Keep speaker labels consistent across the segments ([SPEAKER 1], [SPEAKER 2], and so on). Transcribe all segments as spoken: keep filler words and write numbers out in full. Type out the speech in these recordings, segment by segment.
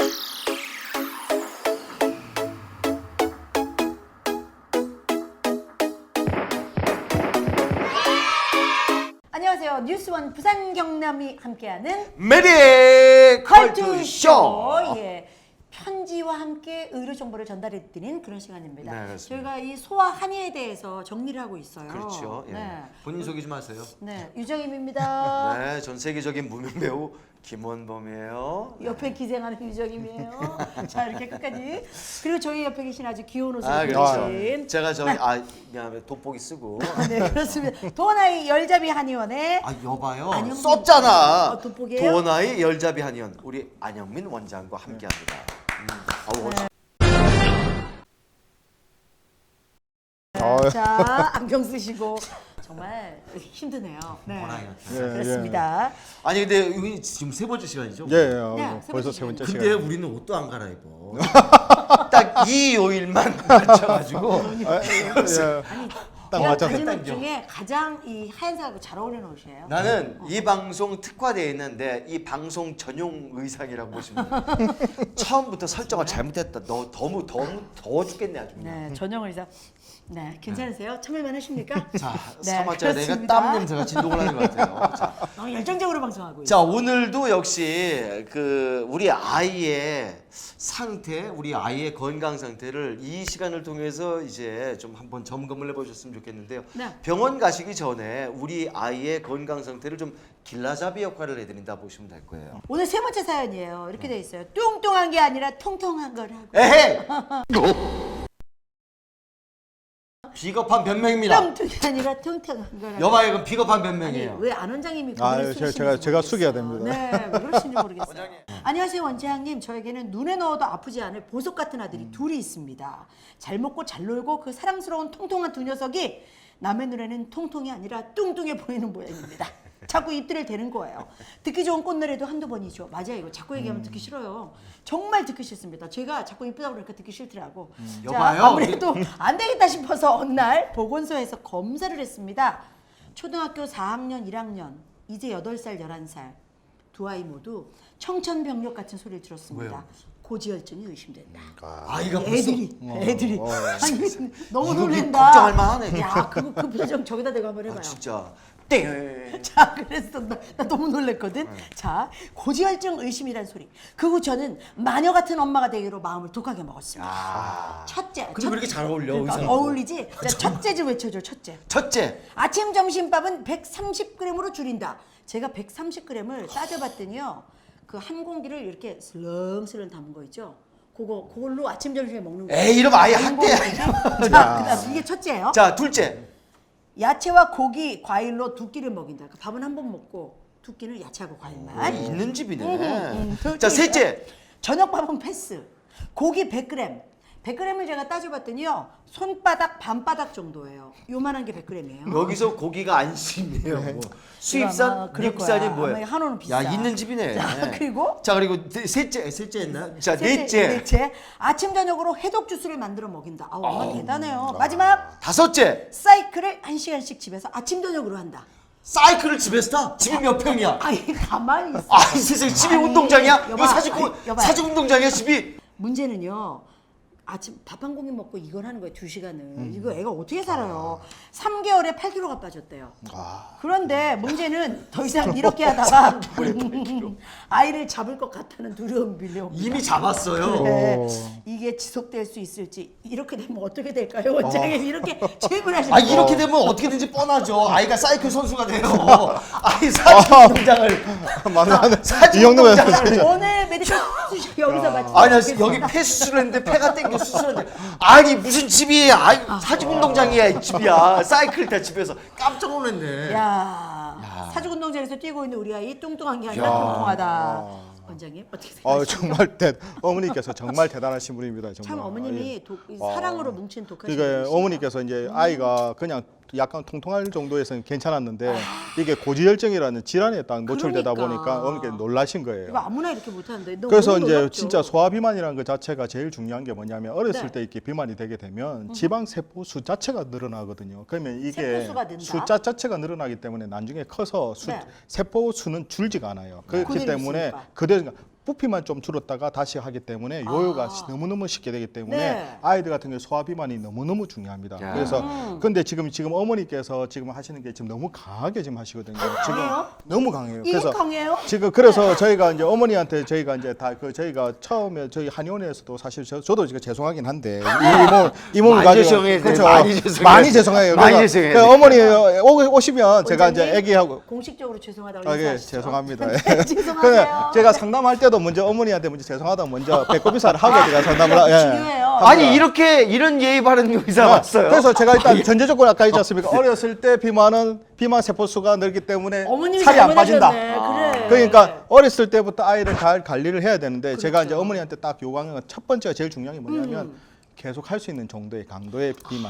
[SPEAKER 1] 안녕하세요. 뉴스원 부산 경남이 함께하는
[SPEAKER 2] 메리
[SPEAKER 1] 컬투쇼.
[SPEAKER 2] 컬투쇼.
[SPEAKER 1] 예. 편지와 함께 의료 정보를 전달해 드리는 그런 시간입니다.
[SPEAKER 2] 네, 그렇습니다.
[SPEAKER 1] 저희가 이 소아 한의에 대해서 정리를 하고 있어요.
[SPEAKER 2] 그렇죠. 예.
[SPEAKER 1] 네.
[SPEAKER 2] 본인 소개 좀 하세요.
[SPEAKER 1] 네, 유정임입니다.
[SPEAKER 2] 네, 전 세계적인 무명 배우 김원범이에요.
[SPEAKER 1] 옆에 기생하는 유정임이에요. 자, 이렇게 끝까지. 그리고 저희 옆에 계신 아주 귀여운 옷을
[SPEAKER 2] 아,
[SPEAKER 1] 입으신
[SPEAKER 2] 그렇죠. 제가 저기 아, 미안해 돋보기 쓰고.
[SPEAKER 1] 네, 그렇습니다. 도원아이 열잡이 한의원의
[SPEAKER 2] 아, 여봐요.
[SPEAKER 1] 안영민.
[SPEAKER 2] 썼잖아.
[SPEAKER 1] 어, 돋보기예요?
[SPEAKER 2] 도원아이 열잡이 한의원 우리 안영민 원장과 함께합니다. 음. 아우,
[SPEAKER 1] 네.
[SPEAKER 3] 아,
[SPEAKER 1] 자, 안경 쓰시고 정말 힘드네요. 네,
[SPEAKER 2] 도원아이
[SPEAKER 3] 예,
[SPEAKER 1] 그렇습니다.
[SPEAKER 2] 아니 근데 여기 지금 세 번째 시간이죠?
[SPEAKER 3] 예, 예, 어,
[SPEAKER 1] 네, 세
[SPEAKER 3] 벌써
[SPEAKER 1] 번째
[SPEAKER 3] 세 번째
[SPEAKER 2] 근데
[SPEAKER 3] 시간.
[SPEAKER 2] 우리는 옷도 안 갈아입어. 딱 이 요일만 맞춰가지고.
[SPEAKER 3] 아, 예, 딱
[SPEAKER 1] 제가
[SPEAKER 3] 맞아.
[SPEAKER 1] 가진 옷
[SPEAKER 2] 당겨.
[SPEAKER 1] 중에 가장 이 하얀색하고 잘 어울리는 옷이에요.
[SPEAKER 2] 나는 이 방송 특화되어 있는데 이 방송 전용 의상이라고 보시면 돼요. 처음부터 설정을 잘못했다. 너 너무 너무 더워 죽겠네 아주. 그냥.
[SPEAKER 1] 네, 전용 의상. 네, 괜찮으세요? 참을만 하십니까?
[SPEAKER 2] 자,
[SPEAKER 1] 네,
[SPEAKER 2] 사마자 내가
[SPEAKER 1] 그렇습니다.
[SPEAKER 2] 땀 냄새가 진동을 하는 것 같아요. 자,
[SPEAKER 1] 너무 열정적으로 방송하고 있어요.
[SPEAKER 2] 자 오늘도 역시 그 우리 아이의 상태, 우리 아이의 건강 상태를 이 시간을 통해서 이제 좀 한번 점검을 해보셨으면 좋겠는데요.
[SPEAKER 1] 네.
[SPEAKER 2] 병원 가시기 전에 우리 아이의 건강 상태를 좀 길라잡이 역할을 해드린다 보시면 될 거예요.
[SPEAKER 1] 오늘 세 번째 사연이에요. 이렇게 돼 있어요. 뚱뚱한 게 아니라 통통한 거라고.
[SPEAKER 2] 에헤이! 비겁한 변명입니다.
[SPEAKER 1] 뚱뚱이 아니라 통통한 거라고.
[SPEAKER 2] 여봐요, 이건 비겁한
[SPEAKER 1] 아니,
[SPEAKER 2] 변명이에요.
[SPEAKER 1] 왜 안 원장님이
[SPEAKER 3] 아,
[SPEAKER 1] 그걸
[SPEAKER 3] 제가-
[SPEAKER 1] 쓰시는지
[SPEAKER 3] 제가- 제가 숙여야
[SPEAKER 1] 모르겠어요.
[SPEAKER 3] 됩니다.
[SPEAKER 1] 네, 왜 그러시는지 모르겠어요. 안녕하세요 원장님. 저에게는 눈에 넣어도 아프지 않을 보석 같은 아들이 둘이 있습니다. 잘 먹고 잘 놀고 그 사랑스러운 통통한 두 녀석이 남의 눈에는 통통이 아니라 뚱뚱해 보이는 모양입니다. 자꾸 입들을 대는 거예요. 듣기 좋은 꽃노래도 한두 번이죠. 맞아요. 이거 자꾸 얘기하면 듣기 싫어요. 정말 듣기 싫습니다. 제가 자꾸 이쁘다고 그러니까 듣기 싫더라고. 자,
[SPEAKER 2] 여봐요.
[SPEAKER 1] 아무래도 안 되겠다 싶어서 어느 날 보건소에서 검사를 했습니다. 초등학교 사 학년, 일 학년, 이제 여덟 살, 열한 살 두 아이 모두 청천벽력 같은 소리를 들었습니다.
[SPEAKER 2] 왜요?
[SPEAKER 1] 고지혈증이 의심된다.
[SPEAKER 2] 아이가 벌써
[SPEAKER 1] 애들이, 애들이.
[SPEAKER 3] 어.
[SPEAKER 1] 아니, 너무
[SPEAKER 2] 이거
[SPEAKER 1] 놀랜다.
[SPEAKER 2] 걱정할 만하네.
[SPEAKER 1] 야, 그, 그 표정 저기다 대고 한번 해봐요.
[SPEAKER 2] 아, 진짜. 땡.
[SPEAKER 1] 자, 그래서 나, 나 너무 놀랬거든. 자, 고지혈증 의심이란 소리. 그 후 저는 마녀 같은 엄마가 되기로 마음을 독하게 먹었습니다.
[SPEAKER 2] 아.
[SPEAKER 1] 첫째.
[SPEAKER 2] 근데 왜 이렇게 잘 어울려,
[SPEAKER 1] 그러니까
[SPEAKER 2] 의상하고?
[SPEAKER 1] 어울리지? 자, 첫째 좀 외쳐줘, 첫째.
[SPEAKER 2] 첫째.
[SPEAKER 1] 아침 점심밥은 백삼십 그램으로 줄인다. 제가 백삼십 그램을 따져봤더니요. 그 한 공기를 이렇게 슬렁슬렁 담은 거 있죠. 그거 그걸로 아침 점심에 먹는 거예요.
[SPEAKER 2] 에이, 이러면 아예
[SPEAKER 1] 한
[SPEAKER 2] 학대야.
[SPEAKER 1] 공기지? 자, 그다음 이게 첫째예요.
[SPEAKER 2] 자, 둘째.
[SPEAKER 1] 야채와 고기, 과일로 두 끼를 먹인다. 그러니까 밥은 한 번 먹고 두 끼는 야채하고 과일만.
[SPEAKER 2] 아, 있는 집이네.
[SPEAKER 1] 음, 음, 음.
[SPEAKER 2] 자, 셋째.
[SPEAKER 1] 저녁밥은 패스. 고기 백 그램. 백 그램을 제가 따져봤더니요. 손바닥 반바닥 정도예요. 요만한 게 백 그램이에요.
[SPEAKER 2] 여기서 고기가 안심이에요. 뭐. 수입산,
[SPEAKER 1] 아마 그럴
[SPEAKER 2] 미국산이
[SPEAKER 1] 거야.
[SPEAKER 2] 뭐예요?
[SPEAKER 1] 아마 한우는 비싸.
[SPEAKER 2] 야, 있는 집이네.
[SPEAKER 1] 자, 그리고
[SPEAKER 2] 자, 그리고 네, 셋째, 셋째 했나? 자,
[SPEAKER 1] 셋째,
[SPEAKER 2] 넷째.
[SPEAKER 1] 넷째. 아침 저녁으로 해독 주스를 만들어 먹인다. 아우, 엄마 대단해요. 마지막
[SPEAKER 2] 다섯째.
[SPEAKER 1] 사이클을 한 시간씩 집에서 아침 저녁으로 한다.
[SPEAKER 2] 사이클을 집에서 타? 집이 몇 평이야?
[SPEAKER 1] 아이 가만히 있어.
[SPEAKER 2] 아, 이 세상에 집이
[SPEAKER 1] 아니,
[SPEAKER 2] 운동장이야?
[SPEAKER 1] 여봐,
[SPEAKER 2] 이거 사직,
[SPEAKER 1] 아니, 여봐요.
[SPEAKER 2] 사직 운동장이야, 집이?
[SPEAKER 1] 문제는요. 아침 밥 한 공기 먹고 이걸 하는 거예요. 두 시간을.
[SPEAKER 2] 음.
[SPEAKER 1] 이거 애가 어떻게 살아요? 삼 개월에 팔 킬로그램가 빠졌대요. 그런데 문제는 더 이상 이렇게 하다가 아이를 잡을 것 같다는 두려움이 밀려옵니다.
[SPEAKER 2] 이미 잡았어요.
[SPEAKER 1] 네. 이게 지속될 수 있을지 이렇게 되면 어떻게 될까요? 원장님 이렇게 질문하시는
[SPEAKER 2] 아, 이렇게 되면 어떻게든지 뻔하죠. 아이가 사이클 선수가 돼요. 아이 사직 운동장을.
[SPEAKER 3] 맞나?
[SPEAKER 2] 사직
[SPEAKER 3] 이 정도면
[SPEAKER 2] 운동장을.
[SPEAKER 1] 오늘 메디컬 수술 여기서 마치
[SPEAKER 2] 아니, 나 여기 폐 수술했는데 폐가 땡겨 수술했는데 아니 무슨 집이 아니 사직 운동장이야 이 집이야 사이클 다 집에서 깜짝 놀랐네.
[SPEAKER 1] 야, 사직 운동장에서 뛰고 있는 우리 아이 뚱뚱한 게 아니라 통통하다. 원장님 어떻게
[SPEAKER 3] 어,
[SPEAKER 1] 생각하십니까?
[SPEAKER 3] 정말 대, 어머니께서 정말 대단하신 분입니다. 정말.
[SPEAKER 1] 참 어머님이 독, 이 사랑으로 뭉친 독하신
[SPEAKER 3] 그러니까
[SPEAKER 1] 분이시다.
[SPEAKER 3] 어머니께서 이제 아이가 그냥 약간 통통할 정도에서는 괜찮았는데 이게 고지혈증이라는 질환에 딱 노출되다
[SPEAKER 1] 그러니까.
[SPEAKER 3] 보니까 어머니께서 놀라신
[SPEAKER 1] 이거
[SPEAKER 3] 거예요.
[SPEAKER 1] 아무나 이렇게 못하는데 너무
[SPEAKER 3] 그래서 이제
[SPEAKER 1] 놀랍죠?
[SPEAKER 3] 진짜 소화 비만이라는 것 자체가 제일 중요한 게 뭐냐면 어렸을
[SPEAKER 1] 네. 음.
[SPEAKER 3] 때 이렇게 비만이 되게 되면 지방 세포 수 자체가 늘어나거든요. 그러면 이게
[SPEAKER 1] 세포수가 는다?
[SPEAKER 3] 숫자 자체가 늘어나기 때문에 나중에 커서 수,
[SPEAKER 1] 네.
[SPEAKER 3] 세포 수는 줄지가 않아요. 그렇기
[SPEAKER 1] 그대로
[SPEAKER 3] 때문에
[SPEAKER 1] 있으니까.
[SPEAKER 3] 그대로 부피만 좀 줄었다가 다시 하기 때문에 요요가
[SPEAKER 1] 아.
[SPEAKER 3] 너무너무 쉽게 되기 때문에
[SPEAKER 1] 네.
[SPEAKER 3] 아이들 같은 경우 소화 비만이 너무너무 중요합니다.
[SPEAKER 2] 야.
[SPEAKER 3] 그래서
[SPEAKER 1] 음.
[SPEAKER 3] 근데 지금 지금 어머니께서 지금 하시는 게 지금 너무 강하게 지금 하시거든요. 지금
[SPEAKER 1] 강해요?
[SPEAKER 3] 너무 강해요.
[SPEAKER 1] 이게 강해요?
[SPEAKER 3] 지금 그래서 저희가 이제 어머니한테 저희가 이제 다 그 저희가 처음에 저희 한의원에서도 사실 저, 저도 지금 죄송하긴 한데 이 몸 이 몸을
[SPEAKER 2] 많이
[SPEAKER 3] 가지고
[SPEAKER 2] 죄송해요.
[SPEAKER 3] 그렇죠.
[SPEAKER 2] 많이 죄송해요.
[SPEAKER 3] 많이 죄송해요.
[SPEAKER 2] 많이
[SPEAKER 3] 그래서
[SPEAKER 2] 죄송해요.
[SPEAKER 3] 그 어머니 오, 오시면 제가 이제
[SPEAKER 1] 원장님,
[SPEAKER 3] 애기하고
[SPEAKER 1] 공식적으로 죄송하다고
[SPEAKER 3] 아, 예,
[SPEAKER 1] 인사하시죠.
[SPEAKER 3] 죄송합니다.
[SPEAKER 1] 네, 죄송하세요.
[SPEAKER 3] 제가 상담할 때도 먼저 어머니한테 먼저 죄송하다 먼저 배꼽 인사를 하고 제가 상담을 하- 예.
[SPEAKER 1] 중요해요.
[SPEAKER 2] 아니 이렇게 이런 예의 바른 의사 봤어요.
[SPEAKER 3] 그래서 제가 일단 전제 조건 아까 있지 않습니까? 어렸을 때 비만은 비만 세포 수가 늘기 때문에
[SPEAKER 1] 어머님이
[SPEAKER 3] 살이 안 빠진다.
[SPEAKER 1] 잘못하셨네. 그래.
[SPEAKER 3] 그러니까 어렸을 때부터 아이를 잘 관리를 해야 되는데 제가
[SPEAKER 1] 그렇죠.
[SPEAKER 3] 이제 어머니한테 딱 요구하는 건 첫 번째가 제일 중요한 게 뭐냐면
[SPEAKER 1] 음.
[SPEAKER 3] 계속 할 수 있는 정도의 강도의 비만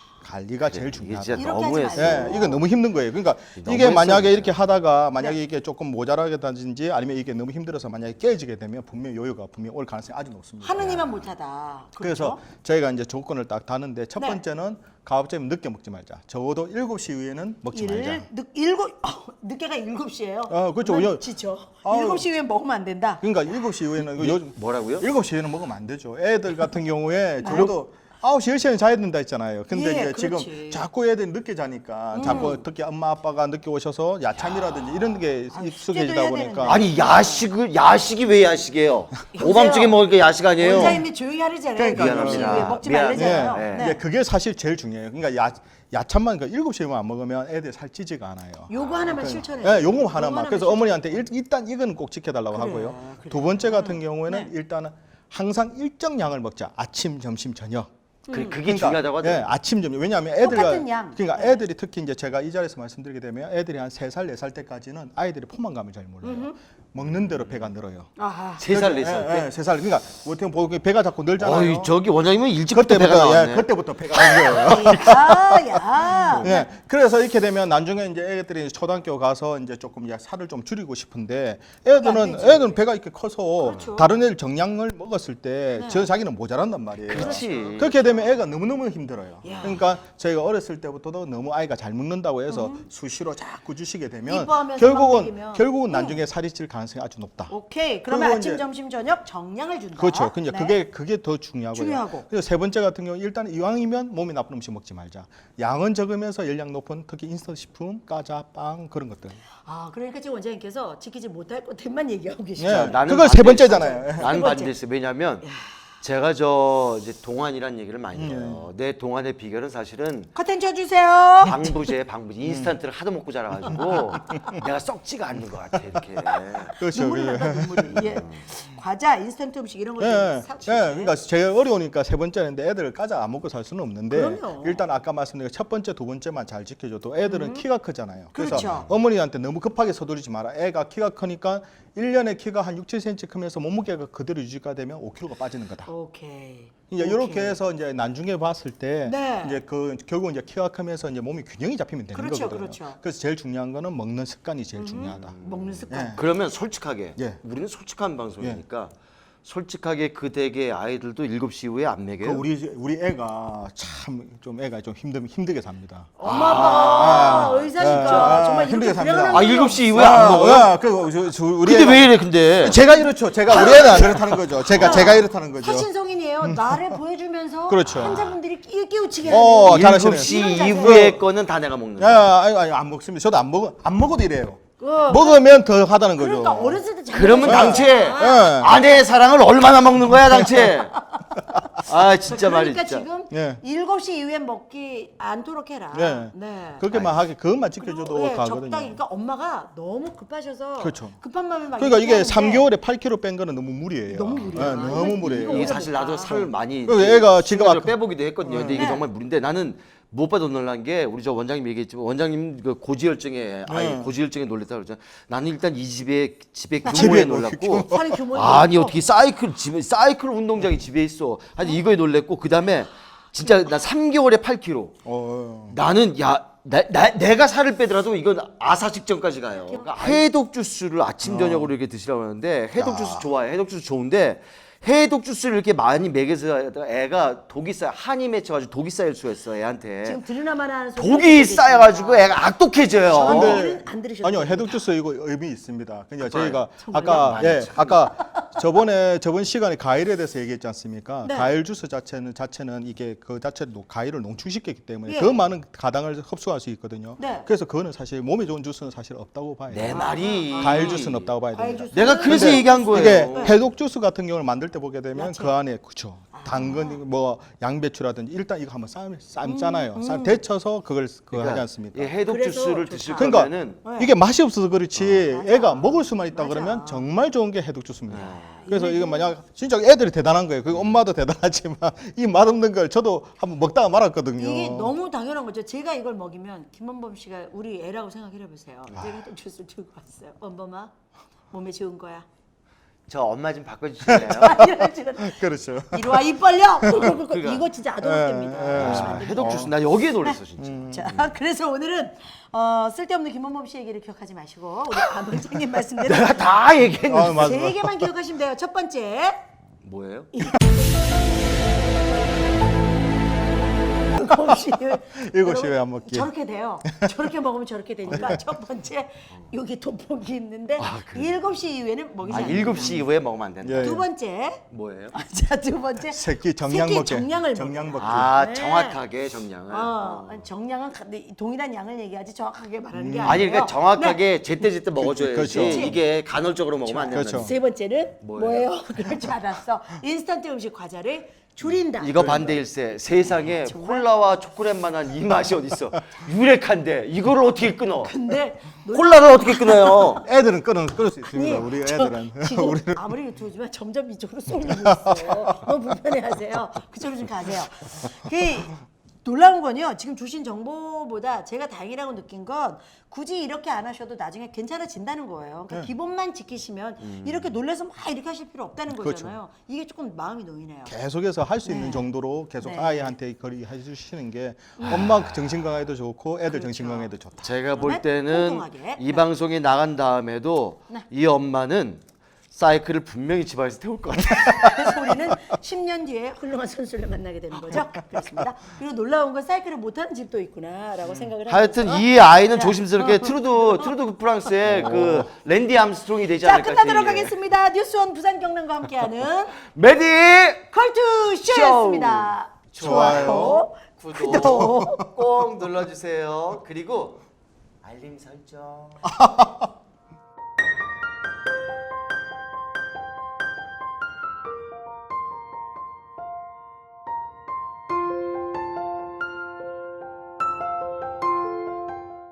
[SPEAKER 3] 관리가 제일
[SPEAKER 2] 이게
[SPEAKER 3] 중요하다.
[SPEAKER 2] 진짜
[SPEAKER 1] 이렇게 하지
[SPEAKER 2] 너무했어.
[SPEAKER 1] 마세요.
[SPEAKER 3] 예, 이건 너무 힘든 거예요. 그러니까
[SPEAKER 2] 너무
[SPEAKER 3] 이게 만약에
[SPEAKER 2] 했어,
[SPEAKER 3] 이렇게 하다가 만약에
[SPEAKER 1] 네.
[SPEAKER 3] 이게 조금 모자라게든지 아니면 이게 너무 힘들어서 만약에 깨지게 되면 분명 히 요요가 분명 히 올 가능성이 아주 높습니다.
[SPEAKER 1] 하느님만 못하다.
[SPEAKER 3] 그래서
[SPEAKER 1] 그렇죠?
[SPEAKER 3] 저희가 이제 조건을 딱 다는데 첫
[SPEAKER 1] 네.
[SPEAKER 3] 번째는 가급적이면 늦게 먹지 말자. 적어도 일곱 시 이후에는 먹지 말자.
[SPEAKER 1] 일, 늦, 일곱, 어, 늦게가 일곱 시예요.
[SPEAKER 3] 어, 그렇죠.
[SPEAKER 1] 그러면
[SPEAKER 3] 요-
[SPEAKER 1] 지쳐.
[SPEAKER 3] 아유.
[SPEAKER 1] 일곱 시 이후엔 먹으면 안 된다.
[SPEAKER 3] 그러니까 일곱 시 이후에는 그 요즘
[SPEAKER 2] 뭐라고요?
[SPEAKER 3] 일곱 시 이후에는 먹으면 안 되죠. 애들 같은 경우에 적어도 아홉 시 열 시에는 자야 된다 했잖아요. 근데
[SPEAKER 1] 예,
[SPEAKER 3] 이제 지금
[SPEAKER 1] 그렇지.
[SPEAKER 3] 자꾸 애들이 늦게 자니까 자꾸 특히 엄마 아빠가 늦게 오셔서 야참이라든지 이런 게
[SPEAKER 1] 아,
[SPEAKER 3] 익숙해지다
[SPEAKER 1] 숙제도 해야
[SPEAKER 3] 보니까
[SPEAKER 1] 되는데.
[SPEAKER 2] 아니 야식을 야식이 왜 야식이에요? 오밤중에 먹을 게 야식 아니에요?
[SPEAKER 1] 원장님이 조용히 하려잖아요.
[SPEAKER 3] 그러니까
[SPEAKER 1] 일곱 시
[SPEAKER 2] 미안합니다.
[SPEAKER 1] 이후에 먹지
[SPEAKER 2] 미안-
[SPEAKER 1] 말래잖아요.
[SPEAKER 2] 예, 예.
[SPEAKER 1] 네.
[SPEAKER 3] 이제 그게 사실 제일 중요해요. 그러니까 야 야참만 그 일곱 시에만 안 먹으면 애들 살 찌지가 않아요.
[SPEAKER 1] 요거 하나만 실천해.
[SPEAKER 3] 네, 요거 하나만. 그래서 어머니한테 일, 일단 이거는 꼭 지켜달라고
[SPEAKER 1] 그래,
[SPEAKER 3] 하고요.
[SPEAKER 1] 그래.
[SPEAKER 3] 두 번째 같은 경우에는
[SPEAKER 1] 네.
[SPEAKER 3] 일단은 항상 일정 양을 먹자. 아침, 점심, 저녁.
[SPEAKER 2] 그, 그게 중요하다고
[SPEAKER 3] 예,
[SPEAKER 2] 하더라고요.
[SPEAKER 3] 아침, 점심. 왜냐하면 애들이
[SPEAKER 1] 똑같은 양.
[SPEAKER 3] 그러니까
[SPEAKER 1] 네.
[SPEAKER 3] 애들이 특히 이제 제가 이 자리에서 말씀드리게 되면 애들이 한 세 살, 네 살 때까지는 아이들이 포만감을 잘 몰라요. 먹는 대로 배가 늘어요.
[SPEAKER 1] 아하.
[SPEAKER 2] 세 살, 네 살 때.
[SPEAKER 3] 예, 세 살. 그러니까 어떻게 보면 배가 자꾸 늘잖아요.
[SPEAKER 2] 어이 저기 원장님은 일찍부터 배가
[SPEAKER 3] 그때부터
[SPEAKER 2] 나왔네.
[SPEAKER 3] 예, 그때부터 배가 늘어요.
[SPEAKER 1] 아, 야.
[SPEAKER 3] 예, 그래서 이렇게 되면 나중에 이제 애들이 초등학교 가서 이제 조금 이제 살을 좀 줄이고 싶은데 애들은
[SPEAKER 1] 안 되지.
[SPEAKER 3] 애들은 배가 이렇게 커서
[SPEAKER 1] 그렇죠.
[SPEAKER 3] 다른 애들 정량을 먹었을 때
[SPEAKER 1] 네.
[SPEAKER 3] 저 자기는 모자란단 말이에요.
[SPEAKER 2] 그렇지.
[SPEAKER 3] 그렇게 되면 애가 너무너무 힘들어요.
[SPEAKER 1] 야.
[SPEAKER 3] 그러니까 저희가 어렸을 때부터도 너무 아이가 잘 먹는다고 해서 수시로 자꾸 주시게 되면
[SPEAKER 1] 이뻐하면서
[SPEAKER 3] 결국은
[SPEAKER 1] 막 먹이면.
[SPEAKER 3] 결국은 나중에 살이 찔 가능성이 아주 높다.
[SPEAKER 1] 오케이. 그러면
[SPEAKER 3] 그리고
[SPEAKER 1] 아침,
[SPEAKER 3] 이제-
[SPEAKER 1] 점심, 저녁 정량을 준다.
[SPEAKER 3] 그렇죠. 근데
[SPEAKER 1] 네.
[SPEAKER 3] 그게 그게 더 중요하고요.
[SPEAKER 1] 중요하고.
[SPEAKER 3] 그래서 세 번째 같은 경우 일단 이왕이면 몸이 나쁜 음식 먹지 말자. 양은 적으면서 열량 높은 특히 인스턴트 식품, 과자, 빵 그런 것들.
[SPEAKER 1] 아, 그러니까 지금 원장님께서 지키지 못할 것들만 얘기하고 계시죠.
[SPEAKER 3] 예.
[SPEAKER 2] 나는
[SPEAKER 3] 그걸 세
[SPEAKER 2] 반대했어.
[SPEAKER 3] 번째잖아요. 예.
[SPEAKER 2] 난
[SPEAKER 1] 세 번째.
[SPEAKER 2] 반대했어요. 왜냐하면 제가 저 이제 동안이라는 얘기를 많이
[SPEAKER 3] 음.
[SPEAKER 2] 해요. 내 동안의 비결은 사실은
[SPEAKER 1] 커튼 쳐주세요.
[SPEAKER 2] 방부제, 방부제, 인스턴트를 하도 먹고 자라가지고 내가 썩지가 않는 것 같아 이렇게.
[SPEAKER 3] 그렇죠.
[SPEAKER 1] 눈물이
[SPEAKER 3] 그게.
[SPEAKER 1] 난다, 눈물이. 예. 과자, 인스턴트 음식 이런
[SPEAKER 3] 예,
[SPEAKER 1] 것들
[SPEAKER 3] 예,
[SPEAKER 1] 사주세요.
[SPEAKER 3] 예, 그러니까 제가 어려우니까 세 번째인데 애들 과자 안 먹고 살 수는 없는데
[SPEAKER 1] 그럼요.
[SPEAKER 3] 일단 아까 말씀드린 첫 번째, 두 번째만 잘 지켜줘도 애들은 키가 크잖아요. 그래서
[SPEAKER 1] 그렇죠.
[SPEAKER 3] 어머니한테 너무 급하게 서두르지 마라. 애가 키가 크니까 일 년에 키가 한 육, 칠 센티미터 크면서 몸무게가 그대로 유지가 되면 오 킬로그램가 빠지는 거다.
[SPEAKER 1] 오케이.
[SPEAKER 3] 이제
[SPEAKER 1] 오케이.
[SPEAKER 3] 이렇게 해서 이제 나중에 봤을 때
[SPEAKER 1] 네.
[SPEAKER 3] 이제 그 결국 이제 키가 크면서 이제 몸이 균형이 잡히면 되는
[SPEAKER 1] 그렇죠,
[SPEAKER 3] 거거든요.
[SPEAKER 1] 그렇죠.
[SPEAKER 3] 그래서 제일 중요한 거는 먹는 습관이 제일 중요하다.
[SPEAKER 1] 먹는 습관.
[SPEAKER 3] 예.
[SPEAKER 2] 그러면 솔직하게
[SPEAKER 3] 예.
[SPEAKER 2] 우리는 솔직한 방송이니까 솔직하게 그 댁의 아이들도 일곱 시 이후에 안
[SPEAKER 3] 그
[SPEAKER 2] 먹여요.
[SPEAKER 3] 우리 우리 애가 참 좀 애가 좀 힘들 힘들게 삽니다.
[SPEAKER 1] 엄마 아빠가
[SPEAKER 3] 아,
[SPEAKER 1] 의사니까
[SPEAKER 3] 아,
[SPEAKER 1] 정말
[SPEAKER 3] 힘들게
[SPEAKER 1] 이렇게
[SPEAKER 3] 삽니다.
[SPEAKER 1] 불행한
[SPEAKER 2] 아
[SPEAKER 1] 일이
[SPEAKER 2] 일곱 시
[SPEAKER 1] 없-
[SPEAKER 2] 이후에 안 먹어요?
[SPEAKER 3] 아, 그 저, 저 우리
[SPEAKER 2] 근데
[SPEAKER 3] 애가,
[SPEAKER 2] 왜 이래 근데?
[SPEAKER 3] 제가 이렇죠. 제가 우리 애는 안 그렇다는 거죠. 제가 제가 이렇다는 거죠.
[SPEAKER 1] 훨씬 성인이에요. 나를 보여주면서
[SPEAKER 3] 그렇죠.
[SPEAKER 1] 환자분들이 끼- 끼우치게
[SPEAKER 3] 어,
[SPEAKER 1] 하는.
[SPEAKER 3] 잘하시네.
[SPEAKER 2] 일곱 시
[SPEAKER 1] 이런 자세.
[SPEAKER 2] 이후의 거는 다 내가 먹는
[SPEAKER 3] 야,
[SPEAKER 2] 거야.
[SPEAKER 3] 아니, 아니 안 먹습니다. 저도 안 먹어 안 먹어도 이래요.
[SPEAKER 1] 어,
[SPEAKER 3] 먹으면 더 하다는 거죠.
[SPEAKER 1] 그러니까 어렸을 때 잘.
[SPEAKER 2] 그러면
[SPEAKER 1] 먹었잖아.
[SPEAKER 2] 당최
[SPEAKER 3] 예.
[SPEAKER 2] 아내의 사랑을 얼마나 먹는 거야 당최? 아 진짜
[SPEAKER 1] 그러니까
[SPEAKER 2] 말이야 진짜.
[SPEAKER 1] 지금
[SPEAKER 3] 예.
[SPEAKER 1] 일곱 시 이후엔 먹기 않도록 해라.
[SPEAKER 3] 예.
[SPEAKER 1] 네.
[SPEAKER 3] 그렇게만 하게 그것만
[SPEAKER 1] 그리고,
[SPEAKER 3] 지켜줘도
[SPEAKER 1] 예,
[SPEAKER 3] 가거든요.
[SPEAKER 1] 적당히. 그러니까 엄마가 너무 급하셔서
[SPEAKER 3] 그렇죠.
[SPEAKER 1] 급한 마음에 막
[SPEAKER 3] 그러니까 이게
[SPEAKER 1] 얘기하는데
[SPEAKER 3] 삼 개월에 팔 킬로그램 뺀 거는 너무 무리예요.
[SPEAKER 1] 너무 무리야.
[SPEAKER 3] 예, 너무
[SPEAKER 1] 이거-
[SPEAKER 3] 무리예요.
[SPEAKER 1] 이거
[SPEAKER 2] 이게 사실 나도 살 많이
[SPEAKER 3] 그리고 얘가 지금
[SPEAKER 2] 순간적으로
[SPEAKER 3] 아까-
[SPEAKER 2] 빼보기도 했거든요. 근데 이게
[SPEAKER 1] 네.
[SPEAKER 2] 정말 무리인데 나는 무엇보다 놀란 게 우리 저 원장님 얘기했지만 원장님 그 고지혈증에 아니
[SPEAKER 3] 네.
[SPEAKER 2] 고지혈증에 놀랬다 그러잖아. 나는 일단 이 집에 집에
[SPEAKER 3] 집에
[SPEAKER 2] 규모에
[SPEAKER 3] 뭐
[SPEAKER 2] 놀랐고
[SPEAKER 1] 살이 규모에
[SPEAKER 2] 아니
[SPEAKER 1] 놀랐고.
[SPEAKER 2] 어떻게 사이클 집에 사이클 운동장이 집에 있어. 아니 이거에 놀랬고 그다음에 진짜 나 삼 개월에 팔 킬로그램.
[SPEAKER 3] 어,
[SPEAKER 2] 나는 야 나, 나, 내가 살을 빼더라도 이건 아사 직전까지 가요. 그러니까 해독 주스를 아침 저녁으로 이렇게 드시라고 하는데 해독 주스 좋아해. 해독 주스 좋은데 해독 주스를 이렇게 많이 먹여서 애가 독이 쌓여 한이 맺혀가지고 독이 쌓일 수가 있어 애한테.
[SPEAKER 1] 지금 들으나마나 하는 소리
[SPEAKER 2] 독이 쌓여가지고 애가 악독해져요.
[SPEAKER 1] 근데
[SPEAKER 3] 근데
[SPEAKER 1] 얘는 안 들으셨어요?
[SPEAKER 3] 아니요 해독 주스 이거 의미 있습니다. 그냥 저희가
[SPEAKER 1] 정말요?
[SPEAKER 3] 아까 예 아까 저번에 저번 시간에 과일에 대해서 얘기했지 않습니까?
[SPEAKER 1] 네.
[SPEAKER 3] 과일 주스 자체는 자체는 이게 그 자체로 과일을 농축시켰기 때문에
[SPEAKER 1] 예.
[SPEAKER 3] 더 많은 가당을 흡수할 수 있거든요.
[SPEAKER 1] 네.
[SPEAKER 3] 그래서 그거는 사실 몸에 좋은 주스는 사실 없다고 봐야
[SPEAKER 2] 내
[SPEAKER 3] 돼요.
[SPEAKER 2] 말이
[SPEAKER 3] 과일 주스는 없다고 봐야
[SPEAKER 1] 과일
[SPEAKER 3] 됩니다.
[SPEAKER 1] 주스.
[SPEAKER 2] 내가 그래서
[SPEAKER 3] 근데
[SPEAKER 2] 얘기한 거예요.
[SPEAKER 3] 이게 해독 주스 같은 경우를 만들 때 보게 되면
[SPEAKER 1] 야채.
[SPEAKER 3] 그 안에 그쵸 당근 뭐 양배추라든지 일단 이거 한번 삶 삶잖아요.
[SPEAKER 1] 음,
[SPEAKER 3] 삶 데쳐서 그걸 그거
[SPEAKER 2] 그러니까
[SPEAKER 3] 하지 않습니까?
[SPEAKER 2] 이 해독
[SPEAKER 1] 그래서
[SPEAKER 2] 주스를
[SPEAKER 1] 좋다.
[SPEAKER 2] 드실
[SPEAKER 3] 그러니까
[SPEAKER 2] 거면은
[SPEAKER 1] 네.
[SPEAKER 3] 이게 맛이 없어서 그렇지
[SPEAKER 1] 맞아.
[SPEAKER 3] 애가 먹을 수만 있다
[SPEAKER 1] 맞아.
[SPEAKER 3] 그러면 정말 좋은 게 해독 주스입니다.
[SPEAKER 2] 네.
[SPEAKER 3] 그래서 이거 만약 진짜 애들이 대단한 거예요. 그 엄마도 대단하지만 이 맛없는 걸 저도 한번 먹다가 말았거든요.
[SPEAKER 1] 이게 너무 당연한 거죠. 제가 이걸 먹이면 김원범 씨가 우리 애라고 생각해 보세요.
[SPEAKER 3] 아.
[SPEAKER 1] 제가 또 주스를 들고 왔어요. 원범아, 몸에 좋은 거야.
[SPEAKER 2] 저 엄마 좀 바꿔주실래요?
[SPEAKER 1] 이러지는
[SPEAKER 3] 그렇죠.
[SPEAKER 1] 이리 와 입 벌려.
[SPEAKER 2] 그러니까.
[SPEAKER 1] 이거 진짜 아동학대입니다.
[SPEAKER 3] 예, 예.
[SPEAKER 1] 그러시면 안 됩니다.
[SPEAKER 2] 해독 주스 나 여기에 놀랐어 진짜.
[SPEAKER 1] 자, 그래서 오늘은 어, 쓸데없는 김원범 씨 얘기를 기억하지 마시고 우리 박 원장님 말씀대로
[SPEAKER 2] 내가 다 얘기했는데
[SPEAKER 3] 아, 맞아,
[SPEAKER 1] 세
[SPEAKER 3] 맞아.
[SPEAKER 1] 개만 기억하시면 돼요. 첫 번째,
[SPEAKER 2] 뭐예요?
[SPEAKER 1] 일곱 시에
[SPEAKER 3] 일곱 시에 안 먹기.
[SPEAKER 1] 저렇게 돼요. 저렇게 먹으면 저렇게 되니까 첫 번째 여기 돋보기 있는데 일곱 시 이후에는 먹이지
[SPEAKER 2] 아
[SPEAKER 1] 않는다.
[SPEAKER 2] 일곱 시 이후에 먹으면 안 된다.
[SPEAKER 3] 예.
[SPEAKER 1] 두 번째,
[SPEAKER 2] 뭐예요?
[SPEAKER 1] 자 두 번째
[SPEAKER 3] 새끼 정량
[SPEAKER 1] 새끼
[SPEAKER 3] 먹기.
[SPEAKER 1] 정량을
[SPEAKER 3] 정량
[SPEAKER 1] 먹어라.
[SPEAKER 3] 먹기.
[SPEAKER 2] 아
[SPEAKER 1] 네.
[SPEAKER 2] 정확하게 정량을.
[SPEAKER 1] 어, 정량은 가- 네, 동일한 양을 얘기하지 정확하게 말하는 게 아니에요.
[SPEAKER 2] 음. 아니 그러니까
[SPEAKER 1] 네.
[SPEAKER 2] 정확하게 제때 제때 먹어줘야지.
[SPEAKER 3] 그렇죠.
[SPEAKER 2] 이게 간헐적으로 먹으면 안 된다.
[SPEAKER 3] 그렇죠.
[SPEAKER 1] 세 번째는
[SPEAKER 2] 뭐예요?
[SPEAKER 1] 뭐예요? 그럴 줄 알았어. 인스턴트 음식 과자를 줄인다.
[SPEAKER 2] 이거 반대일세. 세상에 콜라와 초콜릿만한 이 맛이 어딨어? 유력한데 이거를 어떻게 끊어?
[SPEAKER 1] 근데
[SPEAKER 2] 콜라를 어떻게 끊어요?
[SPEAKER 3] 애들은 끊어 끊을 수 있습니다.
[SPEAKER 1] 아니,
[SPEAKER 3] 우리
[SPEAKER 1] 저
[SPEAKER 3] 애들은.
[SPEAKER 1] 지금
[SPEAKER 3] 우리는
[SPEAKER 1] 아무리 유튜브지만 점점 이쪽으로 쏠리고 있어요. 너무 불편해하세요. 그쪽으로 좀 가세요. 그 놀라운 건요. 지금 주신 정보보다 제가 다행이라고 느낀 건 굳이 이렇게 안 하셔도 나중에 괜찮아진다는 거예요. 그러니까
[SPEAKER 3] 네.
[SPEAKER 1] 기본만 지키시면 이렇게 놀라서 막 이렇게 하실 필요 없다는
[SPEAKER 3] 그렇죠.
[SPEAKER 1] 거잖아요. 이게 조금 마음이 놓이네요.
[SPEAKER 3] 계속해서 할 수
[SPEAKER 1] 네.
[SPEAKER 3] 있는 정도로 계속
[SPEAKER 1] 네.
[SPEAKER 3] 아이한테 거리 해주시는 게 엄마 정신 건강에도 좋고 애들
[SPEAKER 1] 그렇죠.
[SPEAKER 3] 정신 건강에도 좋다.
[SPEAKER 2] 제가 볼
[SPEAKER 1] 정말
[SPEAKER 2] 때는
[SPEAKER 1] 통통하게.
[SPEAKER 2] 이
[SPEAKER 1] 네.
[SPEAKER 2] 방송이 나간 다음에도
[SPEAKER 1] 네.
[SPEAKER 2] 이 엄마는 사이클을 분명히 집안에서 태울 것 같아요.
[SPEAKER 1] 그래서 우리는 십 년 뒤에 훌륭한 선수를 만나게 되는 거죠. 그렇습니다. 그리고 놀라운 건 사이클을 못하는 집도 있구나라고 생각을
[SPEAKER 2] 하여튼
[SPEAKER 1] 하면서
[SPEAKER 2] 이 아이는
[SPEAKER 1] 자,
[SPEAKER 2] 조심스럽게 트루드 트루드 프랑스의 그 랜디 암스트롱이 되지
[SPEAKER 1] 자
[SPEAKER 2] 않을까
[SPEAKER 1] 끝나도록
[SPEAKER 2] 싶어요.
[SPEAKER 1] 하겠습니다. 뉴스원 부산 경남과 함께하는
[SPEAKER 2] 메디
[SPEAKER 1] 컬투쇼였습니다.
[SPEAKER 3] 좋아요,
[SPEAKER 2] 구독,
[SPEAKER 1] 구독.
[SPEAKER 2] 꼭 눌러주세요. 그리고 알림 설정.